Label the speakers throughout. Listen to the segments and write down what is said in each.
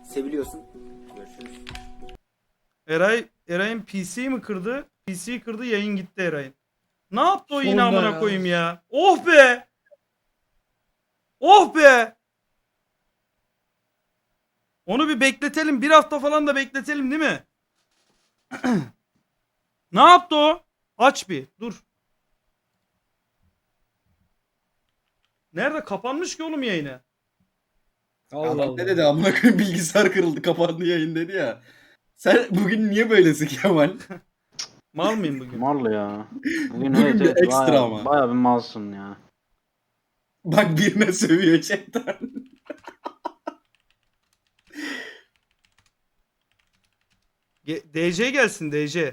Speaker 1: Seviliyorsun. Görüşürüz.
Speaker 2: Eray'ın PC'yi mi kırdı? PC'yi kırdı, yayın gitti Eray'ın. Ne yaptı o yine
Speaker 3: Sonunda
Speaker 2: amına
Speaker 3: ya.
Speaker 2: koyayım ya? Oh be! Oh be! Onu bir bekletelim. Bir hafta falan da bekletelim değil mi? Ne yaptı o? Aç bir. Dur. Nerede? Kapanmış ki oğlum yayını.
Speaker 3: Allah
Speaker 4: Adam
Speaker 3: Allah.
Speaker 4: ne dedi amına koyayım, bilgisayar kırıldı kapandı yayın dedi ya. Sen bugün niye böylesin Kemal?
Speaker 2: Mal mıyım bugün?
Speaker 5: Mal ya. Bugün,
Speaker 4: Bugün
Speaker 5: evet,
Speaker 4: bir
Speaker 5: evet,
Speaker 4: ekstra
Speaker 5: bayağı,
Speaker 4: ama.
Speaker 5: bayağı bir malsın ya.
Speaker 4: Bak birine sövüyor chatten.
Speaker 2: DC gelsin DC.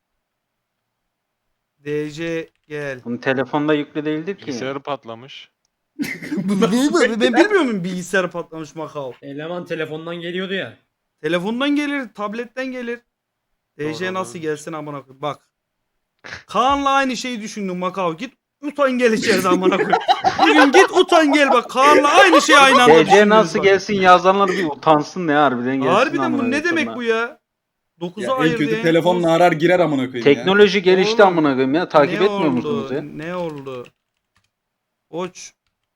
Speaker 2: DC gel.
Speaker 5: Bunun telefonda yüklü değildir ki.
Speaker 6: Bilgisayarı patlamış.
Speaker 2: Ben bilmiyor muyum bilgisayar patlamış Macau?
Speaker 3: Eleman telefondan geliyordu ya.
Speaker 2: Telefondan gelir, tabletten gelir. DC
Speaker 6: Doğru,
Speaker 2: nasıl
Speaker 6: doğru.
Speaker 2: gelsin amına koyayım. Bak. Kaan'la aynı şeyi düşündüm Macau. Git utan gel içeride amına koyayım. Bugün git utan gel bak. Kaan'la aynı şeyi aynı anda
Speaker 5: DC
Speaker 2: düşünüyoruz
Speaker 5: nasıl
Speaker 2: bak.
Speaker 5: gelsin yazanlar bir utansın ya harbiden gelsin.
Speaker 2: Harbiden bu
Speaker 5: amına
Speaker 2: ne demek
Speaker 5: koyayım
Speaker 2: bu ya? 9'a
Speaker 4: Ya en
Speaker 2: ayırdı.
Speaker 4: kötü
Speaker 2: en
Speaker 4: telefonla
Speaker 2: son-
Speaker 4: arar girer amına koyayım ya.
Speaker 5: Teknoloji gelişti
Speaker 2: Oğlum,
Speaker 5: amına koyayım ya. Takip
Speaker 2: Ne
Speaker 5: etmiyor
Speaker 2: oldu?
Speaker 5: musunuz ya?
Speaker 2: Ne oldu? Oç.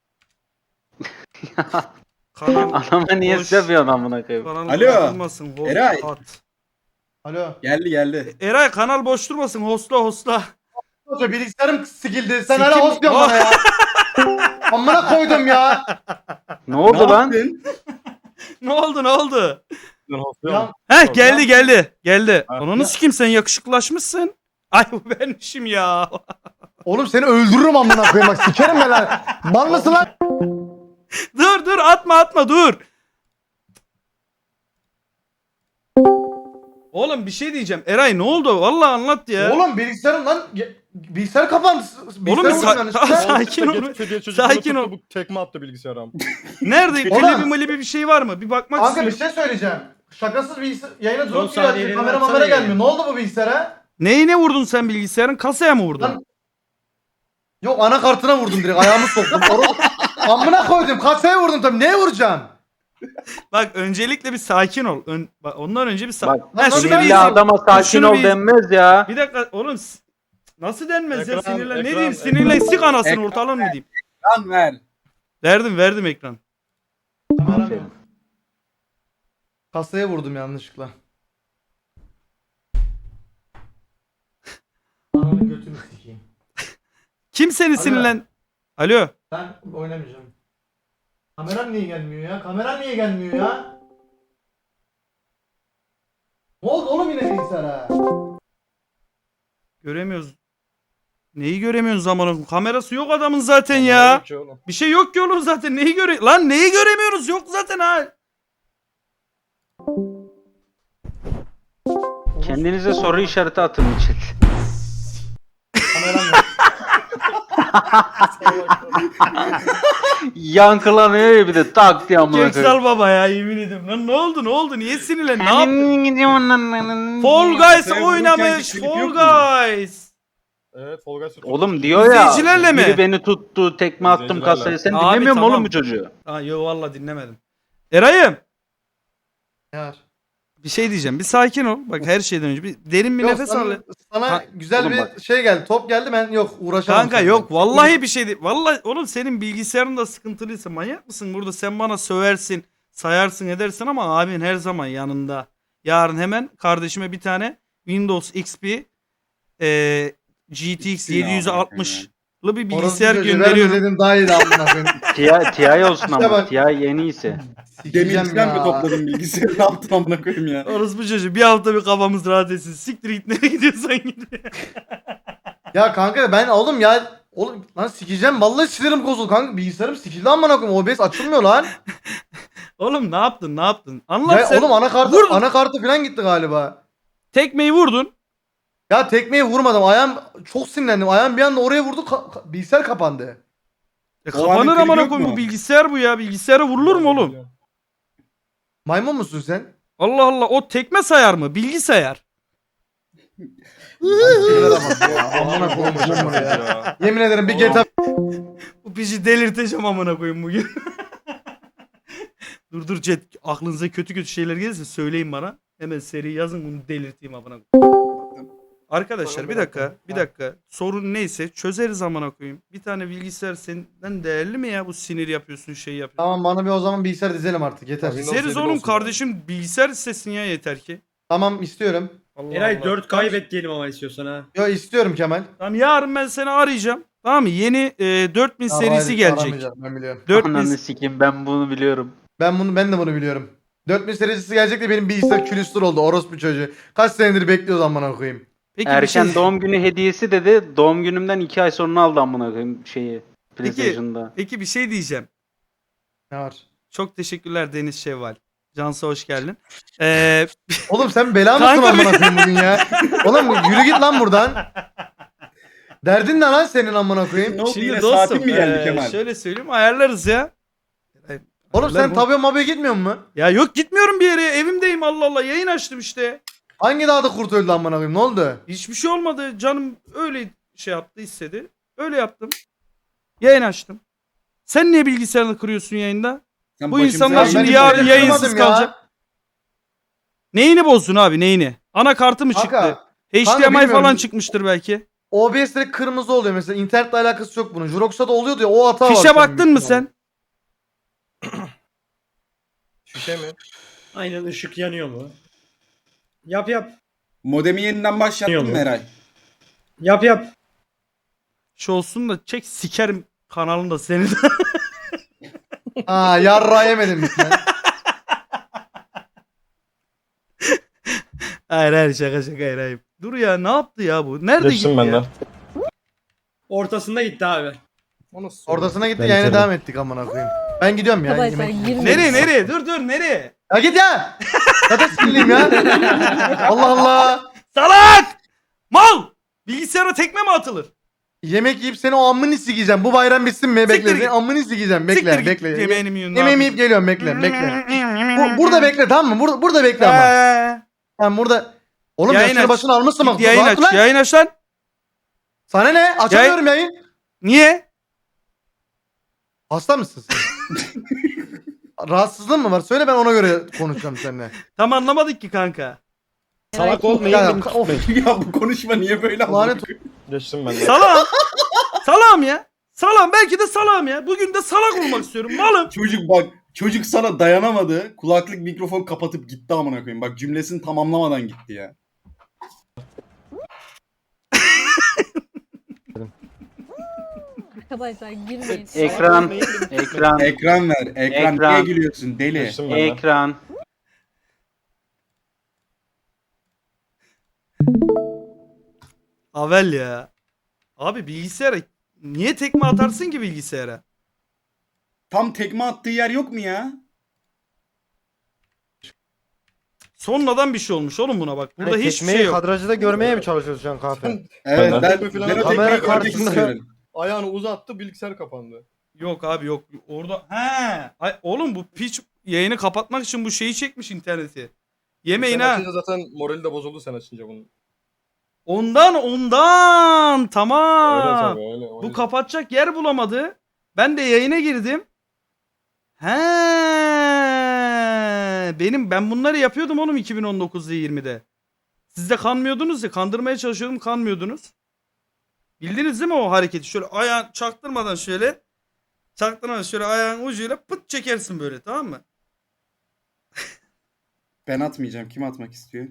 Speaker 2: Kanal,
Speaker 5: Anama niye
Speaker 2: Boş.
Speaker 5: seviyorsun amına koyayım?
Speaker 2: kanal
Speaker 4: Alo,
Speaker 2: boş durmasın. Host,
Speaker 4: Eray.
Speaker 2: at.
Speaker 3: Alo.
Speaker 4: Geldi.
Speaker 2: Eray kanal boş durmasın. Hostla.
Speaker 3: Hoca bilgisayarım sikildi. Sen
Speaker 2: Sikim-
Speaker 3: hala host diyorsun bana ya. Amına koydum ya.
Speaker 5: Ne oldu
Speaker 4: Ne
Speaker 5: lan?
Speaker 4: yaptın?
Speaker 2: Ne oldu?
Speaker 3: Ya
Speaker 2: Heh geldi.
Speaker 3: Ha.
Speaker 2: Ananı sikeyim sen yakışıklılaşmışsın. Ay bu benmişim ya.
Speaker 3: oğlum seni öldürürüm amına koyayım bak sikerim ben lan. Mal mısın lan?
Speaker 2: dur atma dur. Oğlum bir şey diyeceğim. Eray ne oldu? Vallahi anlat ya.
Speaker 3: Oğlum bilgisayarım lan. Bilgisayar kapandı.
Speaker 2: Oğlum
Speaker 3: Bilgisayar vurdum yanlışlıkla.
Speaker 2: sakin ol. Sakin ol.
Speaker 7: Bu tekme attı bilgisayara.
Speaker 2: Nerede?
Speaker 3: Oğlum.
Speaker 2: Klibi bir şey var mı? Bir bakmak
Speaker 3: Kanka bir
Speaker 2: istiyorum.
Speaker 3: şey söyleyeceğim. Şakasız bilgisayar yayına
Speaker 7: Son
Speaker 3: durup giriyor.
Speaker 7: saniyelerini
Speaker 3: Kamera
Speaker 7: atsana
Speaker 3: mamera
Speaker 7: ya.
Speaker 3: gelmiyor. Ne oldu bu bilgisayara?
Speaker 2: Neyine vurdun sen bilgisayarın? Kasaya mı vurdun?
Speaker 3: Lan- Yok anakartına vurdum direkt. Ayağımı soktum. Amına koydum. Kasaya vurdum tabii. Neye vuracağım?
Speaker 2: Bak öncelikle bir sakin ol. Bak, ondan önce bir sakin.
Speaker 5: Bak
Speaker 3: Lan nasıl
Speaker 2: şunu
Speaker 3: ben
Speaker 5: sinirli
Speaker 2: bir-
Speaker 5: adama sakin
Speaker 2: şunu
Speaker 5: ol
Speaker 2: bir-
Speaker 5: denmez ya.
Speaker 2: Bir dakika oğlum nasıl denmez ya
Speaker 7: Ekran,
Speaker 2: sinirlen. Ne
Speaker 7: ekran,
Speaker 2: diyeyim
Speaker 7: ekran.
Speaker 2: sinirlen sik anasını
Speaker 4: Ekran
Speaker 2: ortalığını mı diyeyim?
Speaker 4: Lan ver.
Speaker 2: Verdim ekran.
Speaker 5: Aferin.
Speaker 3: Kasaya vurdum yanlışlıkla. Ananı götünü sikeyim.
Speaker 2: Kim seni
Speaker 3: Alo.
Speaker 2: sinirlen? Alo.
Speaker 3: Ben oynamayacağım. Kameram niye gelmiyor ya? Kameram niye gelmiyor ya? Ne oldu oğlum yine bilgisayara?
Speaker 2: Göremiyoruz. Neyi göremiyorsun zamanın? Kamerası yok adamın zaten ya. Bir şey yok ki oğlum zaten. Neyi Lan neyi göremiyoruz? Yok zaten ha.
Speaker 5: Kendinize soru işareti atın için.
Speaker 3: Kameram yok.
Speaker 5: Yankılanıyor ya bir de tak diye amına koyayım.
Speaker 2: Köksal baba ya yemin ediyorum. Lan ne oldu? Niye sinirlen? Ne yaptın? Fall Guys
Speaker 4: Sen
Speaker 2: oynamış.
Speaker 4: vururken klip
Speaker 2: Fall
Speaker 4: yok mu?
Speaker 2: Guys.
Speaker 7: Evet Fall Guys.
Speaker 5: Oğlum diyor ya.
Speaker 2: İzleyicilerle mi?
Speaker 5: Biri beni tuttu, tekme attım
Speaker 7: İzleyicilerle.
Speaker 5: kasaya. Sen
Speaker 2: Abi,
Speaker 5: dinlemiyor musun
Speaker 2: tamam.
Speaker 5: oğlum bu çocuğu?
Speaker 2: Ha yo valla dinlemedim. Eray'ım.
Speaker 3: Ne var?
Speaker 2: Bir şey diyeceğim. Bir sakin ol. Bak her şeyden önce bir derin bir
Speaker 3: Yok,
Speaker 2: nefes al.
Speaker 3: sana
Speaker 2: Ha,
Speaker 3: güzel
Speaker 5: oğlum
Speaker 3: bir
Speaker 5: bak.
Speaker 3: şey geldi. Top geldi ben yok uğraşamam.
Speaker 2: Kanka
Speaker 3: seninle.
Speaker 2: yok vallahi bir şey değil. Vallahi oğlum senin bilgisayarın da sıkıntılıysa manyak mısın? Burada sen bana söversin, sayarsın edersin ama abin her zaman yanında. Yarın hemen kardeşime bir tane Windows XP GTX 760'lı bir bilgisayar
Speaker 3: Orası çocuğu,
Speaker 2: gönderiyorum.
Speaker 3: verme dedim daha iyi de amına koyayım.
Speaker 5: TI olsun
Speaker 3: İşte
Speaker 5: ama.
Speaker 3: bak.
Speaker 5: TI en iyisi.
Speaker 3: Sikeceğim
Speaker 4: Demirciden mi
Speaker 3: ya.
Speaker 4: topladın bilgisayarı, ne yaptın amına koyayım ya?
Speaker 2: Orası bu çocuğu bir hafta bir kafamız rahat etsin. Siktir git nereye gidiyorsan git.
Speaker 3: Ya kanka ben oğlum ya oğlum lan sikeceğim vallahi sinirim bozuldu kanka bilgisayarım sikildi amına koyayım OBS açılmıyor lan.
Speaker 2: Oğlum ne yaptın? Anlat
Speaker 3: Ya
Speaker 2: sen.
Speaker 3: oğlum
Speaker 2: Vurdun.
Speaker 3: anakartı falan gitti galiba.
Speaker 2: Tekmeyi vurdun.
Speaker 3: Ya tekmeyi vurmadım ayağım çok sinirlendim ayağım bir anda oraya vurdu bilgisayar kapandı.
Speaker 4: O
Speaker 2: Kapanır
Speaker 4: anın klibi
Speaker 2: amına
Speaker 4: yok
Speaker 2: koyayım bu
Speaker 4: mu?
Speaker 2: bilgisayar bu ya. Bilgisayara vurulur mu oğlum?
Speaker 3: Maymun musun sen?
Speaker 2: Allah Allah o tekme sayar mı? Bilgi sayar.
Speaker 3: Amına koyayım ya. Yemin ederim bir GTA
Speaker 2: Bu piçi delirteceğim amına koyayım bugün. Dur chat, aklınıza kötü kötü şeyler gelirse söyleyin bana. Hemen seri yazın, bunu delirteyim amına. Arkadaşlar bir dakika. Sorun neyse çözeriz amına koyayım. Bir tane bilgisayar senden değerli mi ya, bu sinir yapıyorsun, şey yapıyorsun.
Speaker 3: Tamam bana bir o zaman bilgisayar dizelim artık yeter.
Speaker 7: Abi, Windows
Speaker 2: Dizeriz
Speaker 7: 7
Speaker 2: oğlum
Speaker 7: olsun
Speaker 2: kardeşim, bilgisayar istesin ya yeter ki.
Speaker 3: Tamam istiyorum.
Speaker 2: Allah
Speaker 1: Eray
Speaker 2: Allah.
Speaker 1: 4 kaybet diyelim ama istiyorsan ha.
Speaker 3: Yo istiyorum Kemal.
Speaker 2: Tamam, yarın ben seni arayacağım. Tamam mı? Yeni 4000
Speaker 3: Tamam,
Speaker 2: serisi
Speaker 3: hayır,
Speaker 2: gelecek.
Speaker 3: aramayacağım, ben biliyorum.
Speaker 2: 4000
Speaker 5: Ananı sikeyim, ben bunu biliyorum.
Speaker 3: Ben de bunu biliyorum. 4000 serisi gelecek de benim bilgisayar külüstür oldu orospu çocuğu. Kaç senedir bekliyoruz amına koyayım.
Speaker 2: Peki
Speaker 5: Erken
Speaker 2: bir şey...
Speaker 5: doğum günü hediyesi dedi. Doğum günümden 2 ay sonra aldı amına koyayım şeyi. PlayStation'da.
Speaker 2: Peki bir şey diyeceğim.
Speaker 3: Ne var?
Speaker 2: Çok teşekkürler Deniz Şevval. Cansu hoş geldin.
Speaker 3: Oğlum sen bela mısın
Speaker 2: Kanka
Speaker 3: amına koyayım bugün ya? Oğlum yürü git lan buradan. Derdin ne lan senin amına koyayım?
Speaker 4: Ne oldu,
Speaker 2: Şimdi
Speaker 4: yine
Speaker 2: dostum
Speaker 4: saatin mi geldi Kemal?
Speaker 2: şöyle söyleyeyim, ayarlarız ya.
Speaker 3: Oğlum sen tabiye mabiye gitmiyor musun?
Speaker 2: Ya yok, gitmiyorum bir yere, evimdeyim, Allah Allah, yayın açtım işte.
Speaker 3: Hangi dağda kurt öldü amına koyayım? Ne oldu?
Speaker 2: Hiçbir şey olmadı, canım öyle şey yaptı, istedi. Öyle yaptım. Yayın açtım. Sen niye bilgisayarını kırıyorsun yayında?
Speaker 4: Sen
Speaker 2: Bu
Speaker 4: başımıza
Speaker 2: insanlar
Speaker 4: yayın-
Speaker 2: şimdi
Speaker 3: hiçbir
Speaker 2: yarın
Speaker 3: yere
Speaker 2: yayınsız
Speaker 3: kırmadım ya.
Speaker 2: kalacak. Neyini bozdun abi, neyini? Anakartı mı çıktı?
Speaker 3: Kanka,
Speaker 2: HDMI
Speaker 3: bilmiyorum.
Speaker 2: falan çıkmıştır belki.
Speaker 3: OBS direkt kırmızı oluyor mesela. İnternetle alakası yok bunun. Jurox'a da oluyordu ya, o hata var.
Speaker 2: Fişe
Speaker 3: şu an
Speaker 2: baktın
Speaker 3: büyük
Speaker 2: mı
Speaker 3: ihtimalle.
Speaker 2: sen?
Speaker 7: Şişe mi?
Speaker 1: Aynen, ışık yanıyor mu? Yap.
Speaker 4: Modemi yeniden başlattın mı
Speaker 1: Yok.
Speaker 4: Eray?
Speaker 1: Yap.
Speaker 2: Şu olsun da çek, sikerim kanalında seni de.
Speaker 3: Ha yarra yemedim bir sen.
Speaker 2: Hayır şaka hayır. Dur ya, ne yaptı ya bu? Nerede
Speaker 7: Geçtim
Speaker 2: gitti
Speaker 7: ben de.
Speaker 2: ya?
Speaker 1: Ortasında gitti abi.
Speaker 7: O nasıl soru?
Speaker 3: Ortasına gitti
Speaker 7: Ben
Speaker 3: yayına
Speaker 7: bitirdim.
Speaker 3: devam ettik amına koyayım. Ben gidiyorum ya.
Speaker 6: Arkadaşlar
Speaker 3: yemek-
Speaker 6: 20.
Speaker 2: Nereye? Dur nereye?
Speaker 3: Ya git ya. Zaten sinirliyim ya. Allah Allah.
Speaker 2: Salak! Mal! Bilgisayara tekme mi atılır?
Speaker 3: Yemek yiyip seni o amını sikeceğim. Bu bayram bitsin mi?
Speaker 2: Siktir
Speaker 3: Bekle.
Speaker 2: git.
Speaker 3: Seni amını sikeceğim.
Speaker 2: Siktir
Speaker 3: Bekle,
Speaker 2: git,
Speaker 3: bekle.
Speaker 2: yemeğini mi yiyorsun, ne
Speaker 3: Yemeğimi yiyip
Speaker 2: yapıyorsun?
Speaker 3: geliyorum. Bekle. Burada bekle, tamam mı? Burada bekle ama. Ben burada. Oğlum
Speaker 2: Yayın
Speaker 3: yaşını
Speaker 2: aç.
Speaker 3: başını almışsın bak.
Speaker 2: Git yayın
Speaker 3: Rahat
Speaker 2: aç,
Speaker 3: lan.
Speaker 2: yayın aç lan.
Speaker 3: Sana ne? Açamıyorum yayın.
Speaker 2: Niye?
Speaker 3: Hasta mısın sen? Rahatsızlığın mı var? Söyle, ben ona göre konuşacağım seninle.
Speaker 2: Tam anlamadık ki kanka.
Speaker 7: Salak olmayın.
Speaker 3: Ya,
Speaker 7: beni
Speaker 3: of.
Speaker 7: tutmayın.
Speaker 4: Ya bu konuşma niye böyle
Speaker 3: Lanet
Speaker 7: Geçtim ben de.
Speaker 2: Salam. Salam ya. Salam, belki de salam ya. Bugün de salak olmak istiyorum. Malım.
Speaker 4: Çocuk sana dayanamadı. Kulaklık mikrofon kapatıp gitti amına koyayım. Bak cümlesini tamamlamadan gitti ya.
Speaker 6: Arkadaşlar girmeyin.
Speaker 5: Ekran. Ekran.
Speaker 4: Ekran ver. Ekran.
Speaker 5: Ekran.
Speaker 4: Niye gülüyorsun deli?
Speaker 7: Geçtim ben de.
Speaker 5: Ekran.
Speaker 2: Avel ya. Abi bilgisayara niye tekme atarsın ki bilgisayara?
Speaker 4: Tam tekme attığı yer yok mu ya?
Speaker 2: Sonradan bir şey olmuş oğlum buna bak. Burada hiçbir şey yok.
Speaker 8: Kadrajda görmeye mi çalışıyorsun şu an kahve?
Speaker 4: Evet
Speaker 7: Ben
Speaker 4: ben,
Speaker 7: tekme falan
Speaker 4: ben o
Speaker 7: kamera
Speaker 4: tekmeyi görmek
Speaker 8: karşısında-
Speaker 4: istiyorum.
Speaker 7: Ayağını uzattı, bilgisayar kapandı.
Speaker 2: Yok abi yok. Orada Ay, oğlum bu piç yayını kapatmak için bu şeyi çekmiş interneti. Yemeyin
Speaker 7: Sen
Speaker 2: ha.
Speaker 7: açınca zaten morali de bozuldu sen açınca bunu.
Speaker 2: Ondan
Speaker 7: Öyle
Speaker 2: tamam.
Speaker 7: tabii öyle.
Speaker 2: Bu kapatacak yer bulamadı. Ben de yayına girdim. He, ben bunları yapıyordum oğlum 2019'da 20'de. Siz de kanmıyordunuz ya, kandırmaya çalışıyordum, kanmıyordunuz. Bildiniz değil mi o hareketi? Şöyle ayağın çaktırmadan şöyle ayağın ucuyla pıt çekersin böyle, tamam mı?
Speaker 4: Ben atmayacağım. Kim atmak istiyor?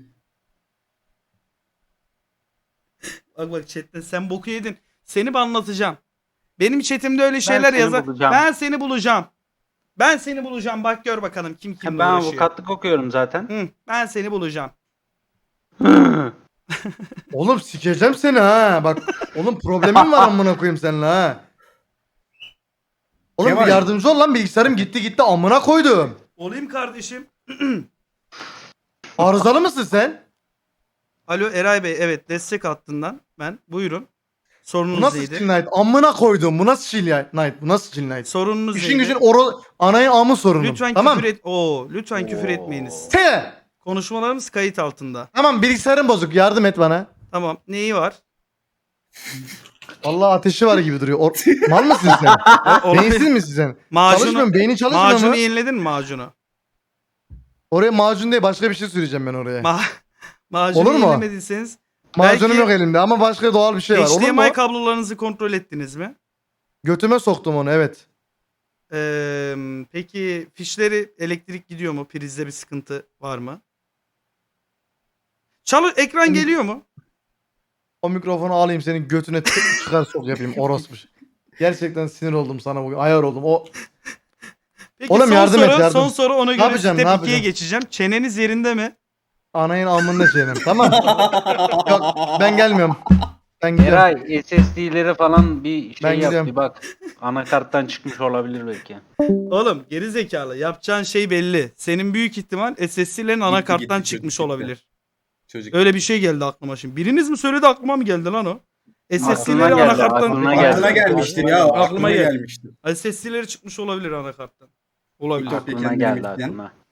Speaker 2: Bak chatten sen boku yedin. Seni anlatacağım. Benim chatimde öyle şeyler
Speaker 5: seni
Speaker 2: yazar.
Speaker 5: bulacağım.
Speaker 2: Ben seni bulacağım. Ben seni bulacağım. Bak gör bakalım kim kimle
Speaker 5: Ben
Speaker 2: uğraşıyor.
Speaker 5: avukatlık okuyorum zaten.
Speaker 2: Hı, ben seni bulacağım.
Speaker 3: Oğlum sikeceğim seni ha. Bak oğlum problemim var amına koyayım seninle ha. Oğlum
Speaker 4: Kemal.
Speaker 3: bir yardımcı ol lan, bilgisayarım gitti amına koydum.
Speaker 2: Olayım kardeşim.
Speaker 3: Arızalı mısın sen?
Speaker 2: Alo Eray Bey, evet, destek hattından ben. Buyurun.
Speaker 3: Bu
Speaker 2: Sorununuz
Speaker 3: nasıl Chill
Speaker 2: neydi?
Speaker 3: Night? Amına koydum. Bu nasıl Chill Night? Bu nasıl Chill Night?
Speaker 2: Sorununuz
Speaker 3: İşin
Speaker 2: neydi?
Speaker 3: gücün anayın amı sorunum.
Speaker 2: Lütfen
Speaker 3: tamam.
Speaker 2: küfür et. Lütfen küfür etmeyiniz.
Speaker 3: Te!
Speaker 2: Konuşmalarımız kayıt altında.
Speaker 3: Tamam, bilgisayarım bozuk, yardım et bana.
Speaker 2: Tamam. Neyi var?
Speaker 3: Vallahi ateşi var gibi duruyor. Mal mısın sen? Beyinsiz misin sen?
Speaker 2: Macunu,
Speaker 3: Çalışmıyor mu? Beynin çalışmıyor
Speaker 2: macunu
Speaker 3: mu?
Speaker 2: yeniledin mi macunu?
Speaker 3: Oraya macun değil başka bir şey süreceğim ben oraya.
Speaker 2: Macunu
Speaker 3: Olur mu?
Speaker 2: yenilemediyseniz
Speaker 3: Macunum
Speaker 2: belki
Speaker 3: yok elimde ama başka doğal bir şey var. Olur mu?
Speaker 2: HDMI kablolarınızı kontrol ettiniz mi?
Speaker 3: Götüme soktum onu evet.
Speaker 2: Peki fişleri elektrik gidiyor mu? Prizde bir sıkıntı var mı? Ekran geliyor mu?
Speaker 3: O mikrofonu alayım senin götüne çıkar sok yapayım orospu. Gerçekten sinir oldum sana bugün. Ayar oldum. O
Speaker 2: Peki
Speaker 3: Oğlum yardım et, yardım.
Speaker 2: son soru ona göre
Speaker 3: yapacağım,
Speaker 2: step
Speaker 3: ne
Speaker 2: 2'ye
Speaker 3: yapacağım?
Speaker 2: geçeceğim. Çeneniz yerinde mi?
Speaker 3: anayın alnında şeyim. Tamam. Yok ben gelmiyorum. Ben gidiyorum.
Speaker 5: Eray SSD'lere falan bir
Speaker 3: Ben
Speaker 5: şey yap
Speaker 3: gidiyorum.
Speaker 5: bir bak. Anakarttan çıkmış olabilir belki.
Speaker 2: Oğlum geri zekalı. Yapacağın şey belli. Senin büyük ihtimal SSD'lerin anakarttan
Speaker 4: gitti,
Speaker 2: çıkmış
Speaker 4: çocuk gitti.
Speaker 2: olabilir.
Speaker 4: Çocuk.
Speaker 2: Öyle bir şey geldi aklıma şimdi. Biriniz mi söyledi aklıma mı geldi lan o?
Speaker 5: Aklına
Speaker 2: SSD'leri
Speaker 5: geldi,
Speaker 2: anakarttan
Speaker 5: aklına geldi.
Speaker 4: Aklına gelmiştir ya.
Speaker 2: Aklıma
Speaker 4: Aklıma
Speaker 2: geldi.
Speaker 4: gelmiştir.
Speaker 2: SSD'leri çıkmış olabilir anakarttan. Olabilir.
Speaker 4: Yok.
Speaker 5: Aklına
Speaker 4: Kendini
Speaker 5: geldi
Speaker 4: bekleyen.
Speaker 5: aklına.